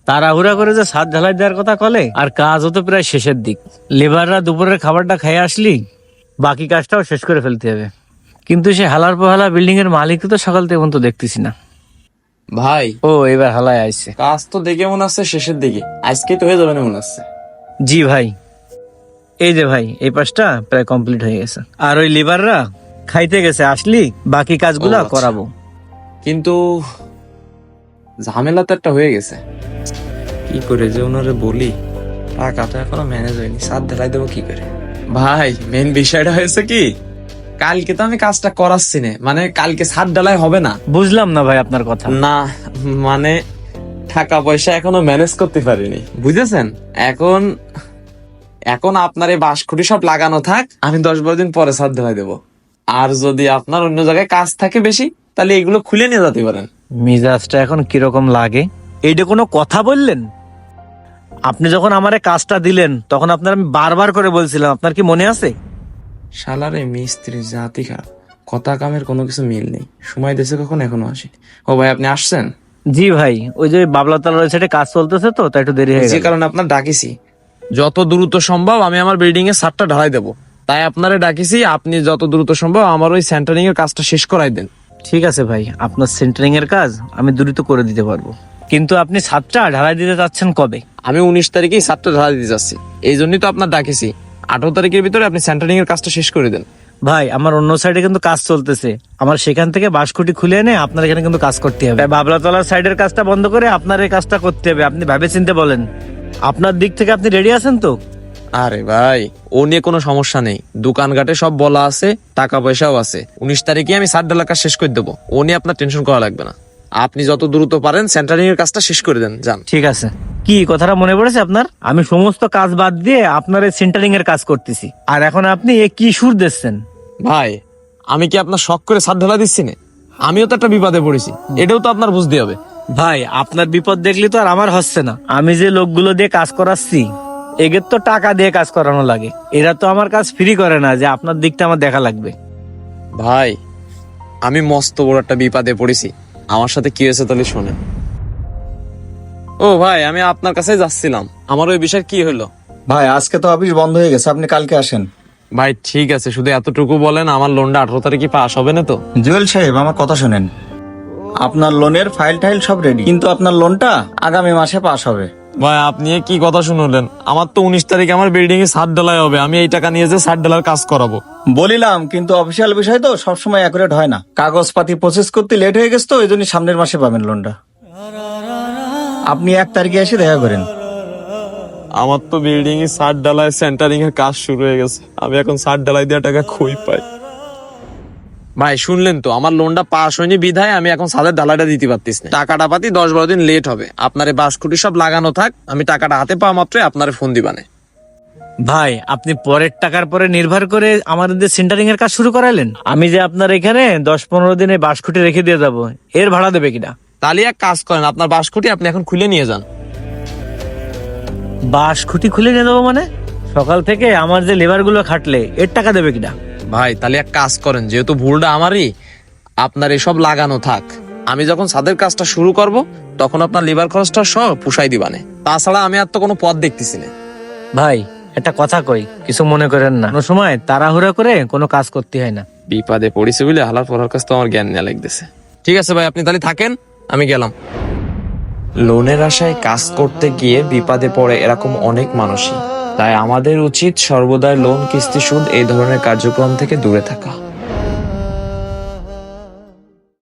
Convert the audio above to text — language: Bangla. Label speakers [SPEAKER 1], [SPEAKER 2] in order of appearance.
[SPEAKER 1] তাড়াহুড়া করে যে ছাদ ঢালাই দেওয়ার কথা কলে, আর কাজও তো প্রায় শেষের দিক। লেবাররা দুপুরের খাবারটা খেয়ে আসলি বাকি কাজটাও শেষ করে ফেলতে হবে। কিন্তু সে হালার পোহালা বিল্ডিং এর মালিক তো সকাল থেকে পর্যন্ত দেখতেছি না।
[SPEAKER 2] ভাই
[SPEAKER 1] ও এবার হালায় আইছে।
[SPEAKER 2] কাজ তো দেখে মনে হচ্ছে শেষের দিকে, আজকে তো হয়ে যাবে না মনে হচ্ছে।
[SPEAKER 1] জি ভাই, এই যে ভাই এই পাশটা প্রায় কমপ্লিট হয়ে গেছে। আর ওই লেবাররা খাইতে গেছে, আসলি বাকি কাজগুলা
[SPEAKER 2] ও আচ্ছা।
[SPEAKER 1] করাবো।
[SPEAKER 2] কিন্তু ঝামেলা তো একটা হয়ে গেছে, কি করে যে ওনারে বলি, টাকা তো এখনো ম্যানেজ হয়নি, সাত ঢালাই দেবো কি করে। ভাই মেন বিষয়টা হয়েছে কি, কালকে তো আমি কাজটা করাচ্ছি না, মানে কালকে সাত ঢালাই হবে না।
[SPEAKER 1] বুঝলাম না ভাই আপনার কথা।
[SPEAKER 2] না মানে টাকা পয়সা এখনো ম্যানেজ করতে পারিনি, বুঝেছেন। এখন এখন আপনার এই বাঁশখুঁটি সব লাগানো থাক, আমি 10-12 দিন পরে ছাদ ঢালাই দেবো। আর যদি আপনার অন্য জায়গায় কাজ থাকে বেশি, তাহলে এগুলো খুলে নিয়ে যেতে পারেন।
[SPEAKER 1] মিজাজটা এখন কিরকম লাগে? এইটা কোনো কথা বললেন? আপনি যখন আমারে কাজটা দিলেন তখন আপনার আমি বারবার করে বলছিলাম, আপনার কি মনে আছে?
[SPEAKER 2] শালার এই মিস্ত্রি জাতি খারাপ, কথা কামের কোনো কিছু মিল নেই, সময় দেশে কখন এখনো আসেনি। ও ভাই আপনি আসছেন?
[SPEAKER 1] জি ভাই, ওই যে বাবলাতলার সাইডে কাজ চলতেছে তো, তাই একটু দেরি হয়ে
[SPEAKER 2] যে
[SPEAKER 1] গেল।
[SPEAKER 2] কারণে আপনার ডাকিছি, যত দ্রুত সম্ভব আমি আমার বিল্ডিং এর ছাদটা ঢালাই দেবো, তাই আপনারে ডাকিছি। আপনি যত দ্রুত সম্ভব আমার ওই সেন্টারিং এর কাজটা শেষ করাই দেন।
[SPEAKER 1] ঠিক আছে ভাই, আপনার সেন্টারিং এর কাজ আমি দ্রুত করে দিতে পারবো, কিন্তু আপনি ছাদটা ঢালাই দিতে চাচ্ছেন কবে?
[SPEAKER 2] আমি 19 তারিখেই ছাদটা ঢালাই দিতে যাচ্ছি, এই জন্যই তো আপনার ডাকিছি। 18 তারিখের ভিতরে আপনি সেন্টারিং এর কাজটা শেষ করে দেন।
[SPEAKER 1] ভাই আমার অন্য সাইডে কিন্তু কাজ চলতেছে, আমার সেখান থেকে বাঁশখুঁটি খুলে এনে আপনার এখানে কিন্তু কাজ করতে হবে। তাই বাবলাতলার সাইডের কাজটা বন্ধ করে আপনার এই কাজটা করতে হবে। আপনি ভাবে চিন্তে বলেন, আপনার দিক থেকে আপনি রেডি আছেন তো?
[SPEAKER 2] আরে ভাই ও নিয়ে কোনো সমস্যা নেই, দোকানঘাটে সব বলা আছে, টাকা পয়সাও আছে। 19 তারিখে আমি ছাদ ঢালার কাজ শেষ করে দেবো, ও নিয়ে আপনার টেনশন করা লাগবে না। আপনি যত দ্রুত পারেন সেন্টারিং এর কাজটা শেষ করে দেন, যান।
[SPEAKER 1] ঠিক আছে। কি কথাটা মনে পড়েছে আপনার? আমি সমস্ত কাজ বাদ দিয়ে আপনার এই সেন্টারিং এর কাজ করতেছি, আর এখন আপনি এ কি সুর দিচ্ছেন?
[SPEAKER 2] ভাই আমি কি আপনার শখ করে ছাদ ঢালা দিচ্ছি না? আমিও তো একটা বিপদে পড়েছি, এটাও তো আপনার বুঝতে হবে।
[SPEAKER 1] ভাই আপনার বিপদ দেখলি তো আর আমার হচ্ছে না। আমি যে লোকগুলো দিয়ে কাজ করাচ্ছি এদের তো টাকা দিয়ে কাজ করানো লাগে, এরা তো আমার কাজ ফ্রি করে না যে আপনার দিকটা আমার দেখা লাগবে।
[SPEAKER 2] ভাই আমি মস্ত বড় একটা বিপদে পড়েছি, আমার সাথে কি হয়েছে তাহলে শোনেন। ও ভাই আমি আপনার কাছে যাচ্ছিলাম, আমার ওই বিষয় কি হলো?
[SPEAKER 3] ভাই আজকে তো অফিস বন্ধ হয়ে গেছে, আপনি কালকে আসেন।
[SPEAKER 2] ভাই ঠিক আছে, শুধু এতটুকু বলেন, আমার লোনটা 18 তারিখে পাস হবে না তো?
[SPEAKER 3] জুয়েল সাহেব আমার কথা শোনেন, আপনার লোনের ফাইল টাইল সব রেডি, কিন্তু আপনার লোনটা আগামী মাসে পাস হবে।
[SPEAKER 2] ভাই আপনি এ কি কথা শুনলেন? আমার তো 19 তারিখে আমার বিল্ডিং এ ছাদ ঢালাই হবে, আমি এই টাকা নিয়ে যে ছাদ ঢালার কাজ করাবো।
[SPEAKER 3] বলিলাম, কিন্তু অফিসিয়াল বিষয় তো সবসময় অ্যাকুরেট হয় না, কাগজপাতি প্রসেস করতে লেট হয়ে গেছে তো এই জন্য সামনের মাসে পাবেন লোনটা। আপনি 1 তারিখে এসে দেখা করেন।
[SPEAKER 2] আমার তো বিল্ডিং এ ছাদ ঢালাই সেন্টারিং এর কাজ শুরু হয়ে গেছে, আমি এখন ছাদ ঢালাই দেওয়া টাকা কই পাই? ভাই শুনলেন তো, আমার লোনটা পাস হয়নি বিধায় আমি এখন ছাদের ঢালাইটা দিতে পারতেছি না, টাকাটা পাতি 10-12 দিন লেট হবে। আপনার এই বাঁশখুঁটি সব লাগানো থাক, আমি টাকাটা হাতে পাওয়া মাত্রই আপনার ফোন দিবানে।
[SPEAKER 1] ভাই আপনি পরের টাকার পরে নির্ভর করে আমাদের সেন্টারিং এর কাজ শুরু করালেন। আমি যে আপনার এখানে 10-15 দিনে বাঁশখুঁটি রেখে দিয়ে যাব, এর ভাড়া দেবে কিনা?
[SPEAKER 2] তাহলে এক কাজ করেন, আপনার বাঁশখুঁটি আপনি এখন খুলে নিয়ে যান।
[SPEAKER 1] বাঁশখুঁটি খুলে নিয়ে দেবো মানে? সকাল থেকে আমার যে লেবার গুলো খাটলে এর টাকা দেবে কিনা?
[SPEAKER 2] ভাই তাহলে এক কাজ করেন, যেহেতু ভুলটা আমারই, আপনার এসব লাগানো থাক, আমি যখন ছাদের কাজটা শুরু করব তখন আপনার লেবার খরচটা সব পুষাই দিবানে। তাছাড়া আমি আর তো কোনো পথ দেখতেছি না।
[SPEAKER 1] ভাই একটা কথা কই, কিছু মনে করেন না, কোনো সময় তাড়াহুড়া করে কোনো কাজ করতে হয় না।
[SPEAKER 2] বিপদে পড়েছে বলে হালার পড়ার কাছ তো আমার জ্ঞান নেওয়া লাগতেছে। ঠিক আছে ভাই আপনি তাহলে থাকেন, আমি গেলাম। লোনের আশায় কাজ করতে গিয়ে বিপদে পড়ে এরকম অনেক মানুষই, তাই আমাদের উচিত সর্বদাই লোন কিস্তি সুদ এই ধরনের কার্যক্রম থেকে দূরে থাকা।